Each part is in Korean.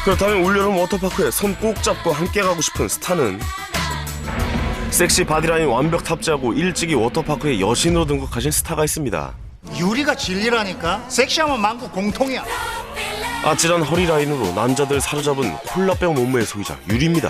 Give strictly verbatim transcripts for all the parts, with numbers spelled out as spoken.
그렇다면 올여름 워터파크에 손 꼭 잡고 함께 가고 싶은 스타는 섹시 바디라인 완벽 탑재하고 일찍이 워터파크의 여신으로 등극하신 스타가 있습니다. 유리가 진리라니까. 섹시하면 만국 공통이야. 아찔한 허리 라인으로 남자들 사로잡은 콜라병 몸매의 소유자 유리입니다.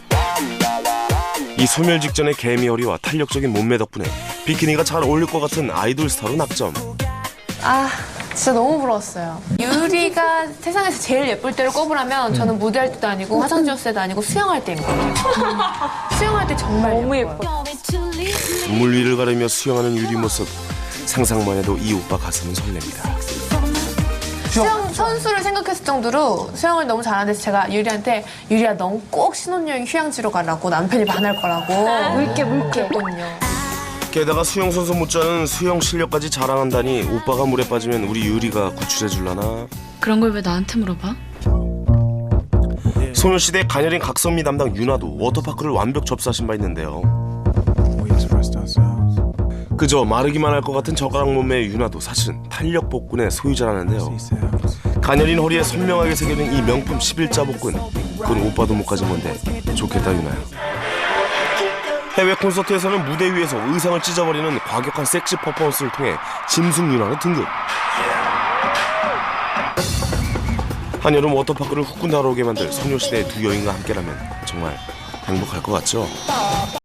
이 소멸 직전의 개미 허리와 탄력적인 몸매 덕분에 비키니가 잘 어울릴 것 같은 아이돌 스타로 낙점. 아, 진짜 너무 부러웠어요. 유리가 세상에서 제일 예쁠 때를 꼽으라면 저는 무대할 때도 아니고 화장 지웠을 때도 아니고 수영할 때인 것 같아요. 수영할 때 정말 너무 예뻐요. 물 위를 가르며 수영하는 유리 모습 상상만 해도 이 오빠 가슴은 설렙니다. 수영 선수를 생각했을 정도로 수영을 너무 잘하는데 제가 유리한테 유리야 넌 꼭 신혼여행 휴양지로 가라고 남편이 반할 거라고 물게 물게 했거든요. 게다가 수영 선수 못지않은 수영 실력까지 자랑한다니 오빠가 물에 빠지면 우리 유리가 구출해 줄라나? 그런 걸 왜 나한테 물어봐? 소녀시대 가녀린 각선미 담당 윤아도 워터파크를 완벽 접수하신 바 있는데요. 그저 마르기만 할 것 같은 젓가락 몸매의 윤아도 사실은 탄력 복근의 소유자라는데요. 가녀린 허리에 선명하게 새겨진 이 명품 십일자 복근, 그건 오빠도 못 가진 건데 좋겠다 윤아야. 해외 콘서트에서는 무대 위에서 의상을 찢어버리는 과격한 섹시 퍼포먼스를 통해 짐승 윤아로 등극. 한여름 워터파크를 후끈 달아오게 만들 소녀시대의 두 여인과 함께라면 정말 행복할 것 같죠?